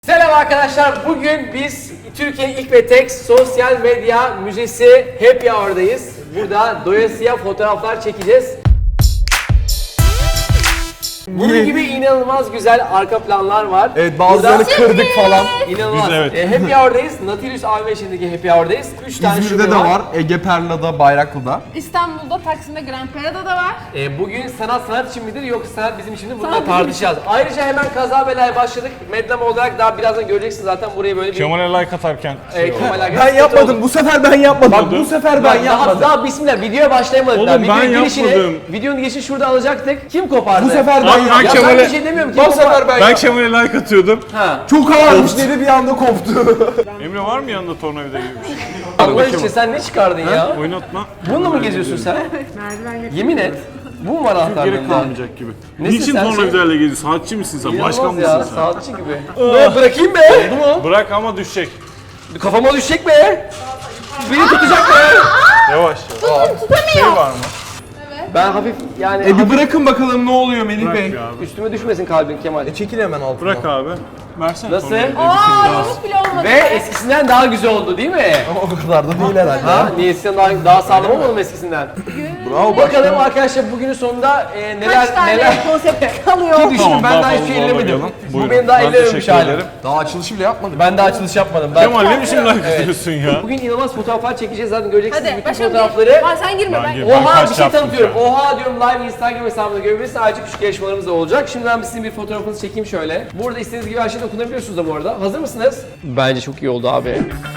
Selam arkadaşlar. Bugün biz Türkiye'nin ilk ve tek sosyal medya müzesi Happy Hour'dayız. Burada doyasıya fotoğraflar çekeceğiz. Bunun gibi inanılmaz güzel arka planlar var. Evet, bazılarını kırdık falan. İnanılmaz. Biz evet. Happy Hour'dayız. Nautilus AVM'sindeki Happy Hour'dayız. 3 tane İzmir'de şube de var, Ege Perla'da, Bayraklı'da. İstanbul'da, Taksim'de, Grand Pera'da da var. Bugün sanat için midir yoksa sanat bizim için mi? Bunu da Sanat bizim tartışacağız. Ayrıca hemen kaza belaya başladık. Medlem olarak daha birazdan göreceksiniz zaten burayı böyle bir... Kemal'e like atarken Kemal Ben yapmadım, bu sefer ben yapmadım. Bak bu sefer ben yapmadım. Daha bismillah videoya başlayamadık Oğlum, daha. ben Videonun girişini, yapmadım. videonun girişini şurada alacaktık. Kim kopardı? Bu sefer ben Abi, yapmadım. Ya Kemal'e- ben bir şey demiyorum. Kim Bu sefer ben yapmadım. Kemal'e like atıyordum. Ha. Çok ağırmış dedi, bir anda koptu. Emre var mı yanında tornavida gibi bir şey? Allah için sen ne çıkardın ya? Oynatma. Bununla mı geziyorsun sen? Yemin et. Bu mu var Gerek anahtarlığında? kalmayacak gibi. Nesin Niçin sen? tornavidayla geziyorsun? Sanatçı mısın sen? Başkan İnanılmaz ya, mısın sen? saatçi gibi. Ne bırakayım be? Oldu mu? Bırak ama düşecek. Kafama düşecek be. Beni tutacak be. Yavaş. Şey var mı? Ben hafif yani Bir bırakın bakalım ne oluyor Melih Bırak Bey. ya abi. üstüme düşmesin kalbin Kemal. Çekil hemen altına. Bırak abi. Versene Nasıl? tornavidayı. Aa, yamuk bile olmadı. Ve eskisinden daha güzel oldu değil mi? O kadar da değil herhalde. Ha? Niye eskisinden daha sağlam olmadı mı eskisinden? Bravo Bakalım arkadaşlar bugünün sonunda neler Kaç tane konsept kalıyor? Ki düşünün Tamam, ben daha daha hiçbir fazla şey ellemedim. almayalım. Bu Buyurun. benim daha Ben ellememiş teşekkür halim. ederim. Daha açılışı bile yapmadım. Ben daha açılış yapmadım. Kemal ne biçim like atıyorsun ya? Bugün inanılmaz fotoğraflar çekeceğiz zaten göreceksiniz Hadi bütün başka bir fotoğrafları. Aa, sen girme Ben ben. girmem. Oha kaç bir şey yaptım tanıtıyorum. şu an? Oha diyorum live Instagram hesabında görebilirsiniz. Ayrıca küçük yarışmalarımız da olacak. Şimdi ben sizin bir fotoğrafınızı çekeyim şöyle. Burada istediğiniz gibi her şeyi dokunabiliyorsunuz da bu arada. Hazır mısınız? Bence çok iyi oldu abi.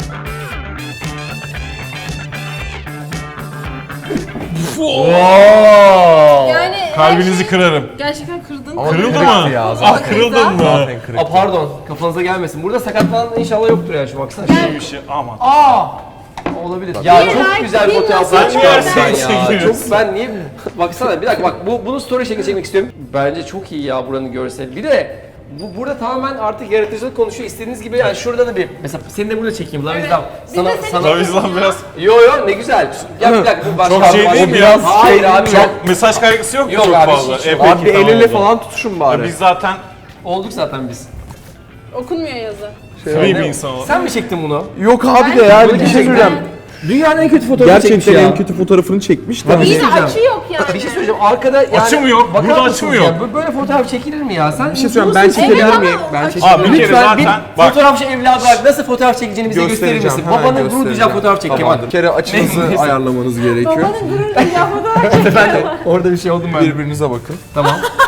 Yani Kalbinizi kırarım. gerçekten kırdın. Ama Kırıldı kırıktı mı? ya zaten. Ah kırıldın mı? Zaten kırık. Aa pardon kafanıza gelmesin. Burada sakatlanan inşallah yoktur ya şu baksana. Bir şey aman. Aa! Olabilir. Ya Bir çok like, güzel bir fotoğraflar nasıl çıkardın bir sen like? ya. Çok ben niye baksana bir dakika bak bunu story şekli çekmek istiyorum. Bence çok iyi ya buranın görseli. Bir de burada tamamen artık yaratıcılık konuşuyor. İstediğiniz gibi yani şurada da bir mesela seni de burada çekeyim lan Evet. bizden. Biz de seni Sana Tabii bizden biraz yo ne güzel. Gel bir dakika bu başka Çok şey başka- değil mi biraz ya? Hayır şey abi gel. Mesaj kaygısı yok mu Yok çok abi, fazla? hiç yok. Peki, Abi bir tamam el ele o zaman. falan tutuşun bari. Biz zaten Olduk zaten biz. Okunmuyor yazı. free bir insan olarak. Sen mi çektin bunu? Yok abi de yani bir şey Gerçekten. söyleyeceğim. Dünyanın en kötü fotoğrafı çekmiş Gerçekten ya. en kötü fotoğrafını çekmiş de. Bir şey İyi de söyleyeceğim. açı yok yani. Bir şey söyleyeceğim arkada yani Açı mı yok? bakar Burada mısınız açı mı yok? ya? Böyle fotoğraf çekilir mi ya? Sen Bir şey söyleyeyim, ben çekebilir Evet miyim? ama Ben açı- çekebilir Abi bir miyim? kere Lütfen bir zaten bak fotoğrafçı evladı olarak nasıl fotoğraf çekeceğini bize gösterir misin? Göstereceğim, hemen Babanın gurur duyacağı göstereceğim. fotoğraf çek Kemal. Bir kere açınızı Neyse. ayarlamanız gerekiyor. Babanın gurur duyacağı fotoğraf çekiyor. Ben de orada bir şey oldum ben. Birbirinize bakın. Tamam.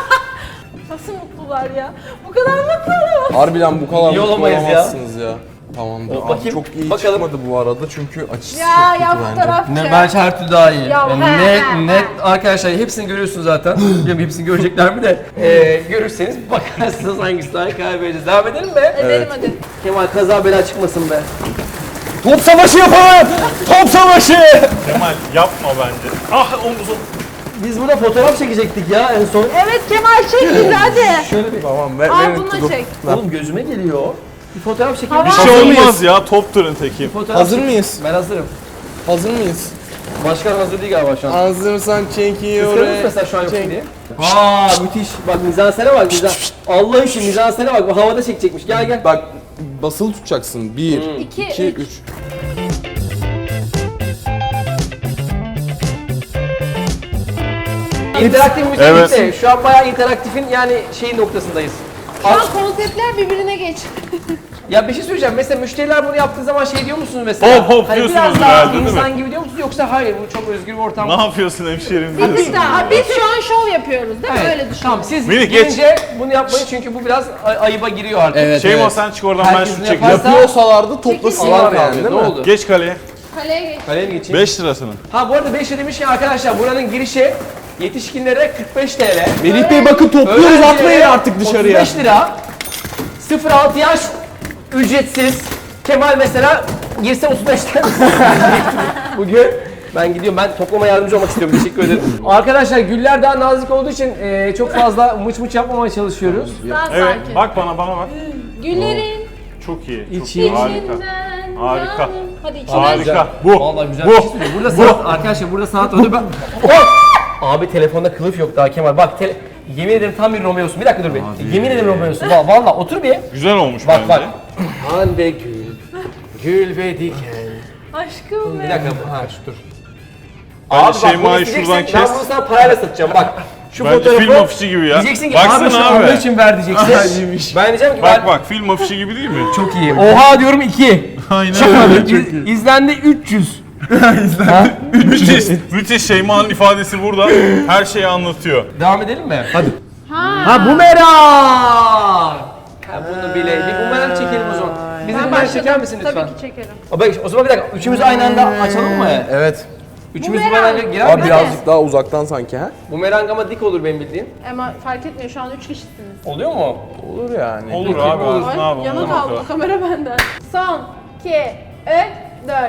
Nasıl mutlular ya? Bu kadar mutlu olamaz. Harbiden bu kadar İyi mutlu olamayız ya. olamazsınız ya. Tamamdır. Abi bakayım, çok iyi bakalım. çıkmadı bu arada çünkü açısı Ya çok ya kötü bence. fotoğraf Ne çek. bence her türlü daha iyi. Ya, Yani net arkadaşlar hepsini görüyorsunuz zaten. Bilmiyorum hepsini görecekler mi de. Görürseniz bakarsınız hangisi daha iyi karar vereceğiz. Devam edelim mi? Edelim hadi. Kemal kaza bela çıkmasın be. Top savaşı yapalım! Top savaşı! Kemal yapma bence. Ah omuzum. Biz burada fotoğraf çekecektik ya en son. Evet Kemal çek bizi hadi. Şöyle bir... Tamam ver, Al verin bunu tutup. çek. Oğlum gözüme geliyor. Bir fotoğraf çekelim. Tamam. Bir Hazır şey mıyız? olmaz ya topturun teki. Fotoğraf Hazır mıyız? Ben hazırım. Hazır mıyız? Başkan hazır değil galiba şu an. Hazırsan Kıskanır çekiyorum. mesela şu an yok diye. Aa müthiş. Bak mizansene bak mizan. Allah için mizansene bak. Bu havada çekecekmiş. Gel gel. Bak basılı tutacaksın. 1, İki, 2, üç. 3. İnteraktif müzik Evet. bitti. Şu an bayağı interaktifin yani şeyin noktasındayız. Şu an konseptler birbirine geç. Ya bir şey söyleyeceğim. Mesela müşteriler bunu yaptığı zaman şey diyor musunuz mesela? Hop hop hani diyorsunuz biraz daha herhalde, değil mi? insan gibi diyor musunuz yoksa hayır bu çok özgür bir ortam. Ne yapıyorsun hemşerim Bir diyorsun. dakika. Biz şu an şov yapıyoruz değil mi? Evet. Öyle düşün. Tamam siz Melih, gelince bunu yapmayın çünkü bu biraz ayıba giriyor artık. Evet, Şey evet. sen çık oradan ben Herkesin şunu çekeceğim. yaparsa- Yapıyorsalardı toplasınlar Allah yani abi, değil ne mi? oldu? Geç kaleye. Kaleye geç. Kaleye mi geçeyim? 5 lirasını. Ha bu arada 5 lira demişken arkadaşlar buranın girişi yetişkinlere 45 TL. Melih Bey bakın topluyoruz Öğrencilere atmayın artık dışarıya. 35 lira. 0-6 yaş ücretsiz. Kemal mesela girse 35'ten. Bugün ben gidiyorum. Ben toplama yardımcı olmak istiyorum. Teşekkür ederim. Arkadaşlar güller daha nazik olduğu için çok fazla mıç mıç yapmamaya çalışıyoruz. Daha Evet sakin. bak bana bak. Güllerin Çok iyi. Çok İçi- iyi. Harika. içinden. Harika. canım. Hadi içinden. Harika. Bu. Vallahi güzel Bu. bir şey söylüyorum. Burada sanat arkadaşlar burada sanat oldu. Ben... Oh! Abi telefonda kılıf yok daha Kemal. Bak Yemin ederim tam bir Romeo'sun. Bir dakika dur bir. Yemin ederim Romeo'sun. Valla otur bir. Güzel olmuş Bak bence. bak. Hande gül, gül ve diken. Aşkım Bir benim. dakika, ha dur. Bence bak, Şeyma'yı bunu isteyeceksin, şuradan Ben kes. bunu sana parayla satacağım bak. Şu Bence fotoğrafı film afişi gibi ya. diyeceksin ki Baksana abi şu abi. Allah için ver diyeceksin. Ben diyeceğim ki Bak bak film afişi gibi değil mi? çok iyi. Oha diyorum 2. Aynen. İzlendi 300. Müthiş Şeyma'nın ifadesi burada. Her şeyi anlatıyor. Devam edelim mi? Hadi. Ha. Bumerang! Ha bunu bile. Bir bumerang çekelim o zaman. Bize Ben bumerang çeker başladım. misin lütfen? Tabii ki çekerim. O zaman bir dakika. Üçümüz aynı anda açalım mı? Evet. Üçümüz Bumerang. bumerang'a girer Abi mi? birazcık daha uzaktan sanki ha? Bumerang ama dik olur benim bildiğim. Ama fark etmiyor şu an 3 kişisiniz. Oluyor mu? Olur yani. Olur Peki, abi. olur. Ne yapalım? Yana ona kaldı bakalım. kamera benden. Son 2 3 4.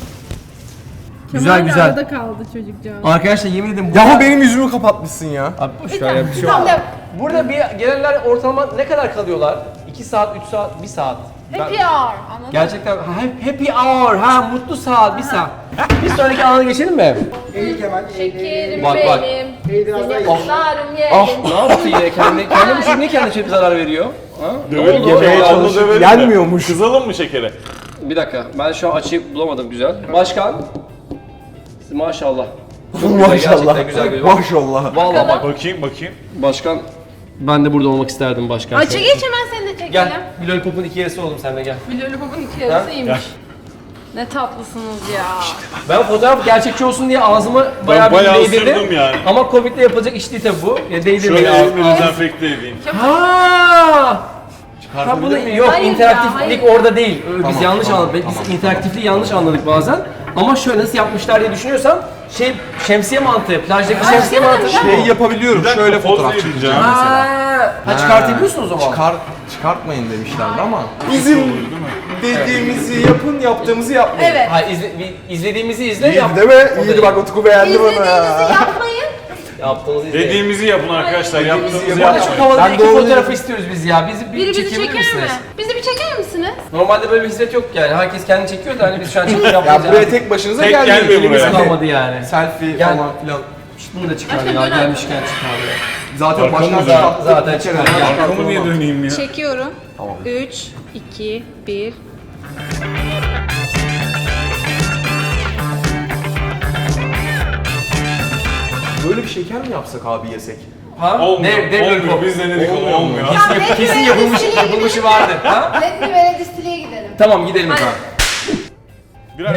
Güzel güzel. Arada kaldı çocukcağız. Arkadaşlar yemin ederim Yahu benim yüzümü kapatmışsın ya. Abi boş ver ya bir şey olmaz. Tamam. Burada bir gelenler ortalama ne kadar kalıyorlar? 2 saat, 3 saat, 1 saat. Happy hour. Anladın Gerçekten happy hour, mutlu saat, 1 saat. Bir sonraki alana geçelim mi? Şekerim Bak, bak. benim. Seni kutlarım yerim. Ne yaptı yine kendi bu çocuk niye kendine şöyle bir zarar veriyor? Ha? Ne Dövelim, oldu? yemeğe Ya, çalışıp dövelim de. yenmiyormuş. Kızalım mı şekere? Bir dakika, ben şu an açıyı bulamadım güzel. Başkan. Maşallah. Çok güzel, gerçekten güzel görünüyor. Maşallah. Vallahi bak Bakayım bakayım. başkan, ben de burada olmak isterdim başkan. Açı geç hemen seni de çekelim. Gel, bir lollipopun 2 yarısı oldum sen de gel. Bir lollipopun 2 yarısıymış. Ne tatlısınız ya. Ben fotoğraf gerçekçi olsun diye ağzımı bayağı bayağı bir değdirdim. ısırdım yani. Ama Covid'le yapılacak iş değil tabii bu. Ya değdirmeyin Şöyle ağzımı. elimi dezenfekte edeyim. Ha! Ha bunu yok Hayır ya, interaktiflik hayır. orada değil. Biz yanlış anladık. Biz interaktifliği yanlış anladık bazen. Ama şöyle nasıl yapmışlar diye düşünüyorsam şemsiye mantığı, plajdaki şemsiye mantığı. Şey yapabiliyorum. Bir dakika, Şöyle poz fotoğraf vereceğim. çekeceğim mesela. Ha çıkartabiliyorsun o zaman. Çıkartmayın demişlerdi ama. Bizim dediğimizi yapın, yaptığımızı yapmayın. Evet. Ha izlediğimizi izle yap. Değil mi? İyiydi bak Utku beğendi İzlediğinizi bana. yapmayın. Yaptığınızı izle. Dediğimizi yapın arkadaşlar. Yaptığımızı Bu arada yapın. çok havalı Ben iki doğru fotoğrafı dedim. istiyoruz biz ya. Bizi Biri bizi çekebilir çeker misiniz? mi? Bizi bir çeker misiniz? Normalde böyle bir hizmet yok yani. Herkes kendi çekiyor da hani biz şu an çekim Ya yapmayacağız. buraya tek başınıza Tek gelmeyin. gelme Elimiz buraya. kalmadı yani. Selfie Gel. falan filan. İşte bunu da çıkar Başka ya. böyle Gelmişken çıkar ya. Zaten Arkamı başkan dön. çıkarttı. Zaten Bir kere çıkar. daha Ya, çıkarttı Arkamı niye ama. döneyim ya? Çekiyorum. Tamam. 3 2 1. Böyle bir şeker mi yapsak abi yesek? Ha? Olmuyor. Dev Olmuyor. lollipop. Biz denedik ama olmuyor. Kesin yapılmışı vardır. Ha? Let's Vere Distille'ye gidelim. Tamam gidelim efendim. Birer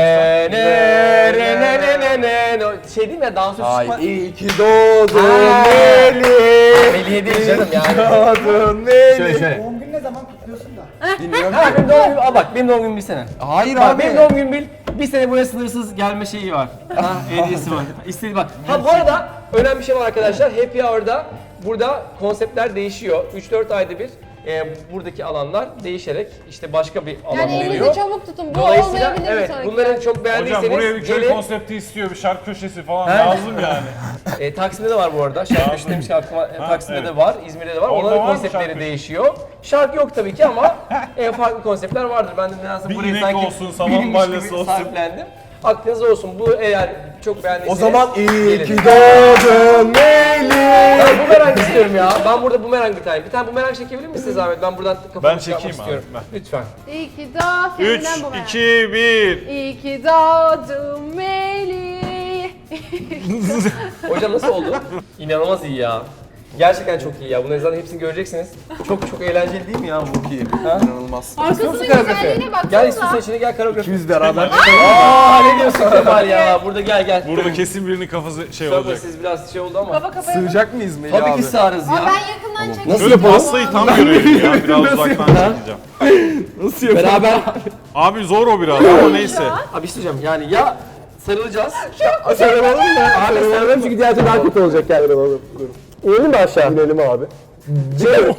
Şey değil mi ya dansöz Ay çıkma. iyi ki doğdun Ha. Melih. Melih'e değil canım yani. Doğdun Melih. Şöyle şöyle. Doğum günü ne zaman kutluyorsun da? Bilmiyorum Ha ki. benim doğum günüm, al bak benim doğum günüm bir sene. Hayır Bak abi. benim doğum günüm bir sene buraya sınırsız gelme şeyi var. Ha hediyesi var. İstediği bak. Ha bu arada önemli bir şey var arkadaşlar. Happy Hour'da burada konseptler değişiyor. 3-4 ayda bir buradaki alanlar değişerek işte başka bir alan Yani oluyor. elinizi çabuk tutun. Bu Dolayısıyla olmayabilir evet bir sonraki. bunları çok beğendiyseniz Hocam buraya bir köy gelin. konsepti istiyor. Bir şarkı köşesi falan He? lazım yani. Taksim'de de var bu arada. Şarkı köşesi demiş ki aklıma Taksim'de evet. de var, İzmir'de de var. Orada Onların var mı konseptleri şarkı? değişiyor. Şarkı yok tabii ki ama farklı konseptler vardır. Ben de nedense Bir burayı inek sanki olsun, saman bilinmiş balyası gibi olsun. sahiplendim. Aklınızda olsun. Bu eğer çok O beğendiyseniz zaman iyi gelin. ki doğdun Melih. Ben bumerang istiyorum ya. Ben burada bumerang bir tane. Bir tane bumerang çekebilir misiniz Ahmet? Ben buradan kafamı Ben çıkartmak çekeyim abi, istiyorum. ben. Lütfen. İyi ki doğdun. 3, 2, 1. İyi ki doğdun Melih. Hocam nasıl oldu? İnanılmaz iyi ya. Gerçekten çok iyi ya. Bunların zaten hepsini göreceksiniz. Çok eğlenceli değil mi ya bu? Çok iyi. Ha? İnanılmaz. Arkasının Koreografi. güzelliğine baksanıza. Gel istiyorsan içine gel koreografi. Biz beraber. Aa ne diyorsun Kemal ya? Burada gel. Burada kesin birinin kafası şey Sorma olacak. siz biraz şey oldu ama. Kafa kafaya. Sığacak mıyız Melih Tabii abi? ki sığarız Ama ya. ben yakından çekeyim. Nasıl Böyle yapalım? pastayı tam görelim ya. Biraz uzaktan çekeceğim. Nasıl yapalım? Beraber. Abi zor o biraz ama neyse. Abi isteyeceğim yani ya sarılacağız. Sarılalım mı? Abi sarılalım çünkü diğer türlü daha kötü olacak yani. İnelim mi aşağı? İnelim abi. Dur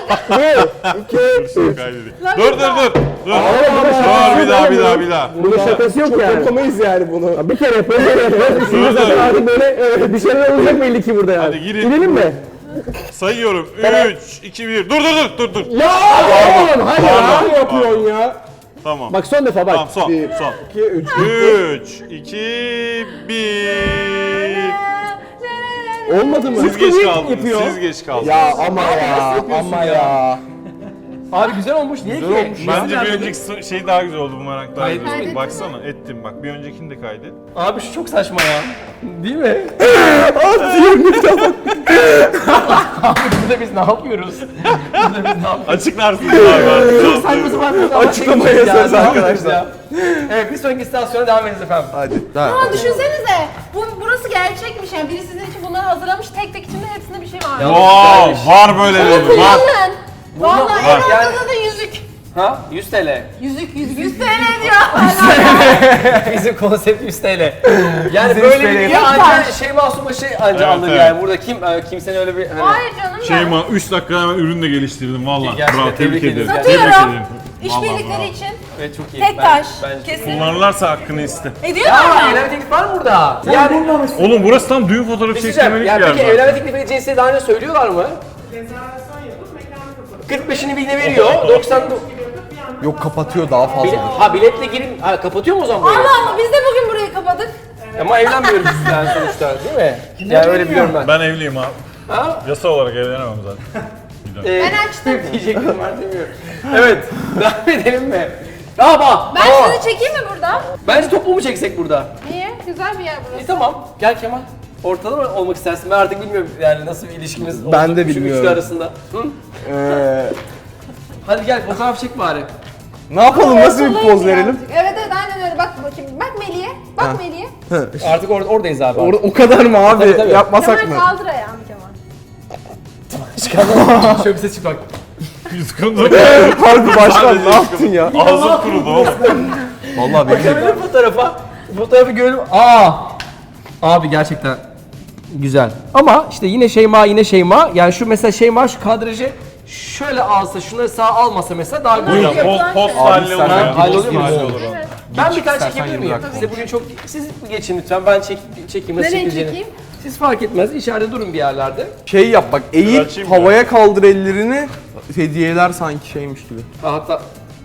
dur dur. Dur bir daha. Bunun şakası yok yani. Yapamayız yani bunu. Bir kere yapalım. Şimdi zaten artık böyle bir şeyler olacak belli ki burada yani. Hadi girin. İnelim mi? Sayıyorum. 3, 2, 1. Dur. Ya oğlum hadi Pardon. ya. Yapıyorsun ya. Tamam. Bak son defa bak. Tamam son. 2, 3. 3, 2, 1. Olmadı mı? Siz geç Yapıyor. kaldınız. Siz geç kaldınız. Ya ama ya, yapıyorsun ama ya? ya. Abi güzel olmuş. Niye Güzel ki? olmuş. Bence bir Nerede? önceki şey daha güzel oldu, bu merak daha güzel oldu. Kaydettin Baksana ettim bak, bir öncekini de kaydet. Abi şu çok saçma ya. Değil mi? Abi burada biz ne yapıyoruz? Burada biz ne yapıyoruz? Açıklarsınız abi artık. Çok saçma sapan bir zaman Açıklamaya çekmişiz ya, söz ne yapıyoruz arkadaşlar. ya? Evet, bir sonraki istasyona devam ediniz efendim. Hadi. Ama düşünsenize, burası gerçekmiş yani. Biri sizin için bunları hazırlamış, tek tek içinde hepsinde bir şey var. Ya- Wow, var böyle bir var. Kullanın. Vallahi Var. en Yani- ortada da yüzük. Ha? 100 TL. Yüzük, 100 TL diyor. Bizim konsept 100 TL. Yani Bizim böyle 100 bir TL. video ancak şey masum başı anca Evet, alır evet. yani. Burada kimsenin öyle bir... Hani, Hayır canım ya. Şeyma 3 dakikada hemen ürün de geliştirdim valla. Gerçekten Bravo, tebrik tebrik ederim. ediyoruz. Tebrik Satıyorum. ederim. İşbirlikleri Vallahi için. evet çok iyi. Tek taş. Bence çok iyi. Kesin. Kullanırlarsa hakkını iste. Ediyor Ya mu? evlenme teklifi var mı burada? Yani Oğlum burası tam düğün fotoğrafı bir şey çektirmelik diyeceğim. bir Yani yer peki zaten. evlenme teklifini cinsiyeti daha önce söylüyorlar mı? 45'ini birine veriyor. 90 Yok kapatıyor daha fazla. ha biletle girin. Ha kapatıyor mu o zaman burayı? Allah Allah, biz de bugün burayı kapadık. Ama evlenmiyoruz yani sonuçta değil mi? Yani öyle biliyorum ben. Ben evliyim abi. Ha? Yasa olarak evlenemem zaten. Ben açtım. Diyecektim ben demiyorum. Evet. Devam edelim mi? Aa, Ben seni çekeyim mi burada? Bence toplu mu çeksek burada? Niye? Güzel bir yer burası. Tamam. Gel Kemal. Ortada mı olmak istersin? Ben artık bilmiyorum yani nasıl bir ilişkimiz Ben oldu de şu üçlü bilmiyorum. arasında. Hı? Hadi gel fotoğraf çek bari. Ne yapalım? Nasıl bir Ortalayın poz verelim? birazcık. Evet evet aynen öyle. Bak bakayım. Bak Melih'e. Bak Melih'e. Artık oradayız abi. O kadar mı abi? Tabii, tabii. Yapmasak Kemal mı? kaldır ayağını Kemal. Şöyle bir ses çık bak. Yutkundu. Harbi başkan Sadece ne yaptın ya? Ağzım kurudu oğlum. Vallahi benim Bakabilir fotoğrafa. Fotoğrafı görelim. Abi gerçekten güzel. Ama işte yine Şeyma. Yani şu mesela Şeyma şu kadrajı şöyle alsa, şunları sağ almasa mesela daha güzel. Buyurun post halli olur istersen ya. hallolur Post mu? halli olur. Evet. Ben bir tane İstersen çekebilir 20 miyim? dakika. Size bugün çok... Siz geçin lütfen, ben çekeyim. Nasıl Nereye çekileceğini. çekeyim? Siz fark etmez, içeride durun bir yerlerde. Şey yap bak, eğip Açayım mı? havaya kaldır ellerini. Hediyeler sanki şeymiş gibi. Ha, hatta...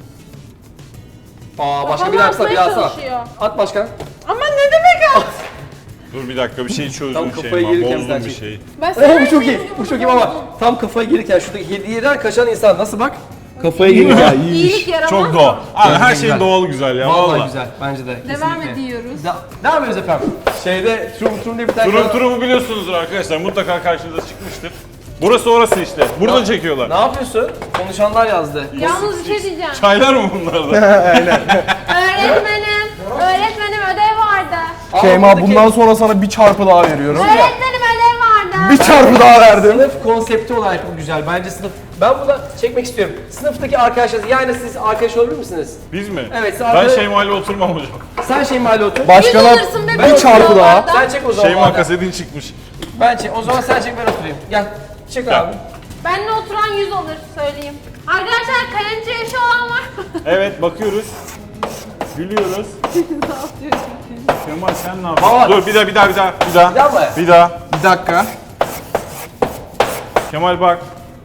başka Kafamı bir atsana, bir atmaya atsana. çalışıyor. At başkan. Ama ne demek at? Dur bir dakika, bir şey çözdüm Tam kafayı Şeyma. gelirken Bozdum sen bir çek. şeyi. Ben Bu çok iyi, bu çok iyi baba. Tam kafaya gelirken şuradaki hediyeden kaçan insan nasıl bak? Kafaya gelirken. İyilik yaramaz. Çok doğal. Abi her Güzel. şeyin doğal güzel ya Vallahi valla. güzel, bence de. Devam kesinlikle. ediyoruz. Devam ediyoruz efendim. Şeyde, Trum diye bir tane... Turun turumu biliyorsunuzdur arkadaşlar. Mutlaka karşınıza çıkmıştır. Burası orası işte. Burada çekiyorlar. Ne yapıyorsun? Konuşanlar yazdı. Yalnız bir şey diyeceğim. Çaylar mı bunlar da? Öğretmenim ödev vardı. Şeyma buradaki bundan sonra sana bir çarpı daha veriyorum. Öğretmenim ödev vardı. Bir çarpı daha verdim. Sınıf konsepti olarak bu güzel. Bence sınıf... Ben bunu çekmek istiyorum. Sınıftaki arkadaşlar, yani siz arkadaş olabilir misiniz? Biz mi? Evet, sen Ben arkadaş- Şeyma ile oturmam hocam. Sen Şeyma'yla otur. Başkana Yüz alırsın be, bir çarpı daha. Sen çek o zaman. Şeyma madem. kasetin çıkmış. Ben çek. O zaman sen çek, ben oturayım. Gel. Çek abi. Benle oturan 100 olur söyleyeyim. Arkadaşlar kayınçı yaşı olan var mı? Evet bakıyoruz. Gülüyoruz. Kemal sen ne yapıyorsun? Baba. Dur bir daha. Bir daha mı? Bir daha. Bir dakika. Kemal bak.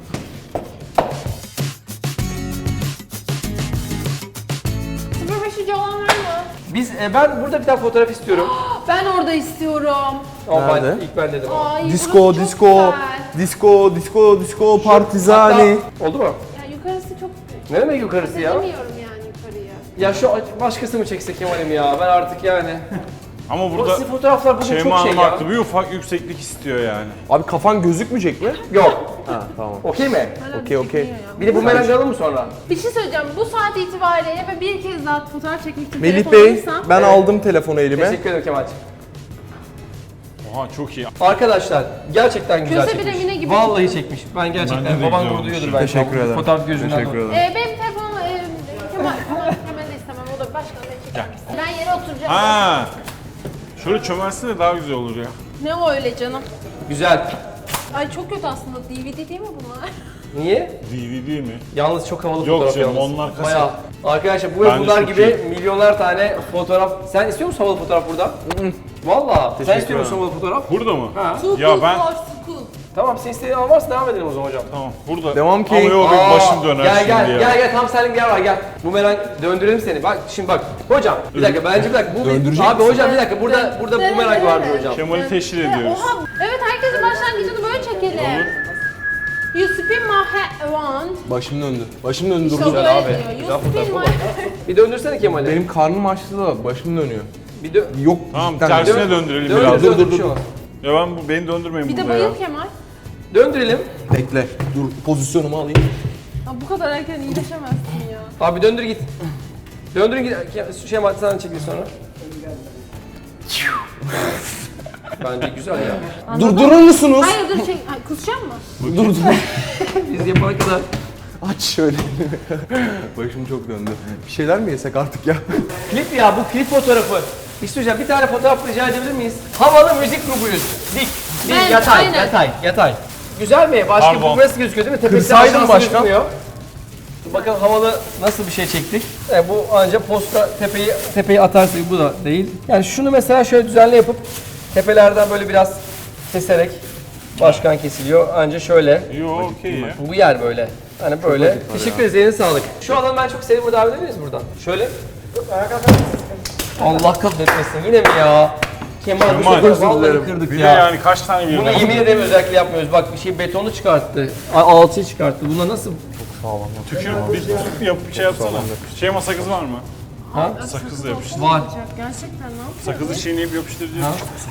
Sıfır olan var mı? Ben burada bir tane fotoğraf istiyorum. Ben orada istiyorum. Ama Nerede? ilk ben dedim. Ay, Disco, burası çok disco, güzel. disco, partizani. Hatta- oldu mu? Ya yukarısı çok... Ne demek yukarısı ya? Bilmiyorum yani yukarıya. Ya şu başkası mı çekse Kemal'im ya? Ben artık yani. Ama Bu burada sizin fotoğraflar bugün Şeyma çok şey Hanım ya. haklı. Bir ufak yükseklik istiyor yani. Abi kafan gözükmeyecek mi? Yok. Ha tamam. Okey mi? Okey. Bir de bu melanj alalım mı sonra? Bir şey söyleyeceğim. Bu saat itibariyle ve bir kez daha fotoğraf çekmek için Melih telefon Bey, alırsam... ben Evet. aldım telefonu elime. Teşekkür ederim Kemal'ciğim. Oha çok iyi. Arkadaşlar gerçekten güzel Köse bir çekmiş. Emine gibi Vallahi çıktı. çekmiş. Ben gerçekten Bence de baban güzel gurur duyuyordur olmuş. belki. Teşekkür ederim. Fotoğraf gözünden Teşekkür dolayı. ederim. Benim telefonum Kemal de istemem. O da başka ne çeker misin? Ben yere oturacağım. Ha. Şöyle çömelsin de daha güzel olur ya. Ne o öyle canım? Güzel. Ay çok kötü aslında. DVD değil mi bunlar? Niye? DVD mi? Yalnız çok havalı Yok fotoğraf canım, yalnız. onlar kaset. Bayağı. Arkadaşlar bu Bence bunlar çok gibi milyonlar tane fotoğraf. Sen istiyor musun havalı fotoğraf burada? Valla. Sen istiyor musun havalı fotoğraf? Burada mı? Ha. Too Ya cool ben- for school. Tamam sen istediğin an varsa devam edelim o zaman hocam. Tamam burada. Devam ki. Ama yok benim başım döner Gel şimdi gel ya. gel gel tam senin gel var gel. Bumerang döndürelim seni. Bak şimdi bak. Hocam bir dakika bence bir dakika. Bu Döndürecek abi hocam bir dakika burada bumerang vardı hocam. Kemal'i teşhir ediyoruz. Oha. Evet herkesin başlangıcını böyle çekelim. You spin my head around. Başım döndü. Başım döndü İşte o durdu. böyle abi. diyor. Güzel You fotoğraf spin oldu. my Bir döndürsene Kemal'i. Benim karnım açtı da başım dönüyor. Bir dön. Yok. Tamam cidden tersine dönüyor. döndürelim Döndür biraz. döndür bir şey olmaz. Ya beni döndürmeyin Bir de burada ya. bayıl Kemal. Döndürelim. Bekle. Dur pozisyonumu alayım. Aa, bu kadar erken iyileşemezsin ya. Abi döndür git. Döndürün git. Şey sana çekil sonra. Bence güzel ya. Durdurur musunuz? Hayır dur çek. Ay, kusacak mı? Dur dur. Biz yapana kadar. Aç şöyle. Başım çok döndü. Bir şeyler mi yesek artık ya? Klip ya bu klip fotoğrafı. İstiyorsan bir tane fotoğraf rica edebilir miyiz? Havalı müzik grubuyuz. Dik, Ben, yatay, aynen. yatay. Güzel mi? Başka Pardon. bu burası gözüküyor değil mi? Tepesi Kırsaydın aşağısı başkan. gözükmüyor. Bakalım havalı nasıl bir şey çektik. Bu ancak posta tepeyi atarsa bu da değil. Yani şunu mesela şöyle düzenli yapıp tepelerden böyle biraz keserek başkan kesiliyor. Anca şöyle. Yo okey ya. Bu yer böyle. Hani böyle. Teşekkür ederiz. Eline sağlık. Şu adamı ben çok sevdiğimi davet edebilir miyiz buradan? Şöyle. Allah kahretmesin. Yine mi ya? Kemal bu Kemal, sefer özür vallahi kırdık Bir de ya. yani kaç tane Bunu birden. yemin ederim özellikle yapmıyoruz. Bak bir şey betonu çıkarttı. Alçıyı çıkarttı. Buna nasıl? Tükürüp bir tükürüp yapıp şey yapsana. Şey ama sakız var mı? Ha? Sakızla yapıştır. Var. Gerçekten ne yapıyorsun? Sakızı çiğneyip yapıştıracağız.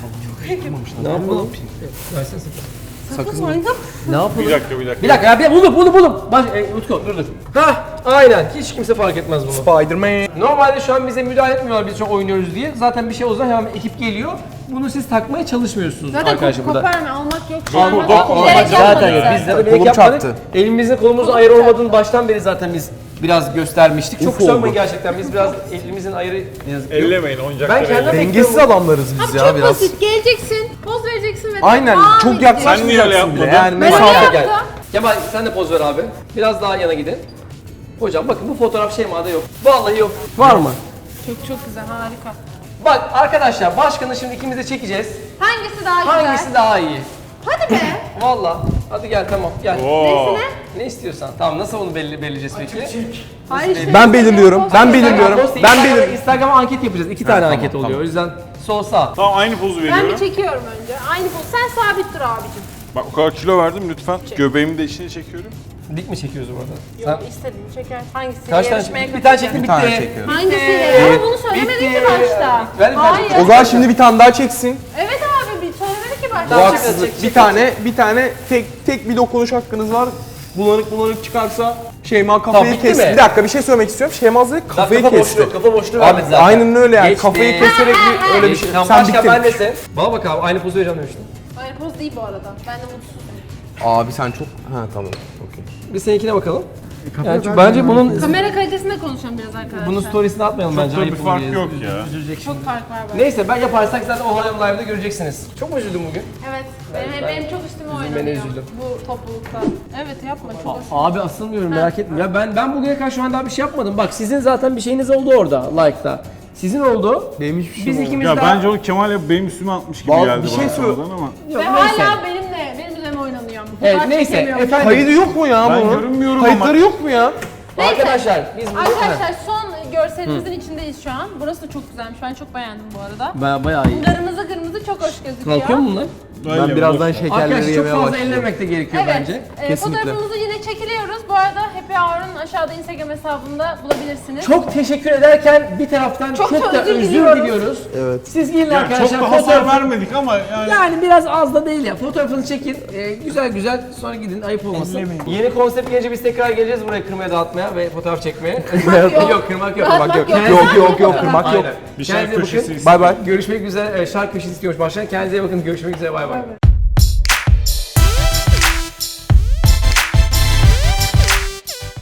Ne yapalım? Versene Sakız manyak. Ne yapalım? Bir dakika. Bir dakika ya bir buldum. Utku dur. Hah aynen. Hiç kimse fark etmez bunu. Spider-Man. Normalde şu an bize müdahale etmiyorlar biz çok oynuyoruz diye. Zaten bir şey o zaman hemen ekip geliyor. Bunu siz takmaya çalışmıyorsunuz Zaten arkadaşlar burada. koparma almak yok. Bilerek zaten yapmadık. Biz de bilerek Kolum yapmadık. çarptı. Elimizin kolumuzun ayarı olmadığını baştan beri zaten biz biraz göstermiştik. Çok Uf kusura oldu. bakmayın gerçekten. Biz biraz elimizin ayarı ne yazık ki yok. Ellemeyin oyuncakları. Ben kendim Dengesiz adamlarız biz Abi ya çok biraz. basit. Geleceksin, poz vereceksin ve Aynen. devam Çok edeceksin. Sen niye öyle yaklaşmayacaksın bile. yapmadın? Yani Ben öyle mesafe. Gel. yaptım. Kemal sen de poz ver abi. Biraz daha yana gidin. Hocam bakın bu fotoğraf Şeyma'da yok. Vallahi yok. Var mı? Çok güzel, harika. Bak arkadaşlar başkanı şimdi ikimiz de çekeceğiz. Hangisi daha güzel? Hangisi daha iyi? Hadi be. Vallahi. Hadi gel tamam gel. Oo. Ne istiyorsan. Tamam nasıl onu belirleyeceğiz peki? Hayır işte. Ben belirliyorum. Ben belirliyorum. Ben belirliyorum. belirliyorum. Instagram'a anket yapacağız. 2 tane tamam, anket oluyor. tamam. O yüzden sol sağ. Tamam aynı pozu Ben veriyorum. bir çekiyorum önce. Aynı poz. Sen sabit dur abicim. Bak o kadar kilo verdim lütfen. Göbeğimi de içine çekiyorum. Dik mi çekiyoruz bu arada? Yok istediğini çeker. Hangisi? Kaç tane çektin? Bir tane çektim bitti. Bir tane çekiyorum. Hangisiyle? Ama bunu söylemedin ki başta. Ver bir tane Hayır. çekeceğim. O zaman şimdi bir tane daha çeksin. Evet abi bir söylemedi ki başta. Bu Tamam, haksızlık. çek. Bir tane tek bir dokunuş hakkınız var. Bulanık çıkarsa Şeyma Tamam, kafayı bitti kesti. mi? Bir dakika bir şey söylemek istiyorum. Şeyma Hazretleri kafayı Kafa kesti. boşluğu, kafa boşluğu Abi, vermedi zaten. aynen öyle yani. Geçti. Kafayı keserek bir öyle bir şey. Tamam Sen başkan bittin. ben desin. Bana bak abi aynı pozu vereceğim demiştim. Aynı poz değil bu arada. Ben de mutsuzum. Abi sen çok... Ha tamam. Okey. Bir seninkine bakalım. Yani çünkü bence bunun Kamera kalitesinde konuşalım biraz arkadaşlar. bunun storiesini atmayalım bence. da bir ayıp fark olur yok diye. ya. Üzülecek şimdi. Çok fark var bak. Neyse ben yaparsak zaten o Harlem Live'da göreceksiniz. Çok mu üzüldün bugün? Evet. Benim çok üstüme Üzülmene oynanıyor üzüldüm. bu toplulukta. Evet yapma çok hoş. Abi asılmıyorum merak etme. Ya ben bugüne kadar şu an daha bir şey yapmadım. Bak sizin zaten bir şeyiniz oldu orada like'ta. Sizin oldu. Benim hiçbir şey Biz olmadı. ikimiz Ya daha... bence o Kemal benim üstüme atmış gibi Vallahi geldi bir şey bana söyle- sonradan ama. Yok, Ve neyse. hala benim üzerime oynanıyor. Bu Evet kadar neyse çekemiyorum. efendim. Kaydı yok mu ya Ben bunun? görünmüyorum Kayıtları ama. yok mu ya? Neyse. Arkadaşlar biz bu... Arkadaşlar son görselimizin içindeyiz şu an. Burası da çok güzelmiş. Ben çok beğendim bu arada. Bayağı iyi. Kırmızı çok hoş gözüküyor. Kalkıyor mu bunlar? Ben birazdan şekerleri Arkadaşlar çok yemeye fazla başlayacağım. ellemek de gerekiyor Evet. bence. Kesinlikle. Fotoğrafımızı yine çekiliyoruz. Bu arada Happy Hour'ın aşağıda Instagram hesabında bulabilirsiniz. Çok teşekkür ederken bir taraftan Çok çok, da da özür özür diliyoruz. diliyoruz. Evet. Siz gelin Yani arkadaşlar çok da hasar fotoğrafı- vermedik ama yani. Yani biraz az da değil ya. Fotoğrafını çekin. Güzel sonra gidin. Ayıp olmasın. Yeni konsept gelince biz tekrar geleceğiz buraya kırmaya dağıtmaya ve fotoğraf çekmeye. yok kırmak yok. Dağıtmak yok. Yok kırmak yok. Aynen. Bir şarkı Kendinize köşesi bakın. istedim. Bay bay. Görüşmek üzere. Şarkı köşesi istiyormuş başlayan. Kendinize iyi bakın. Görüşmek üzere. Bay bay.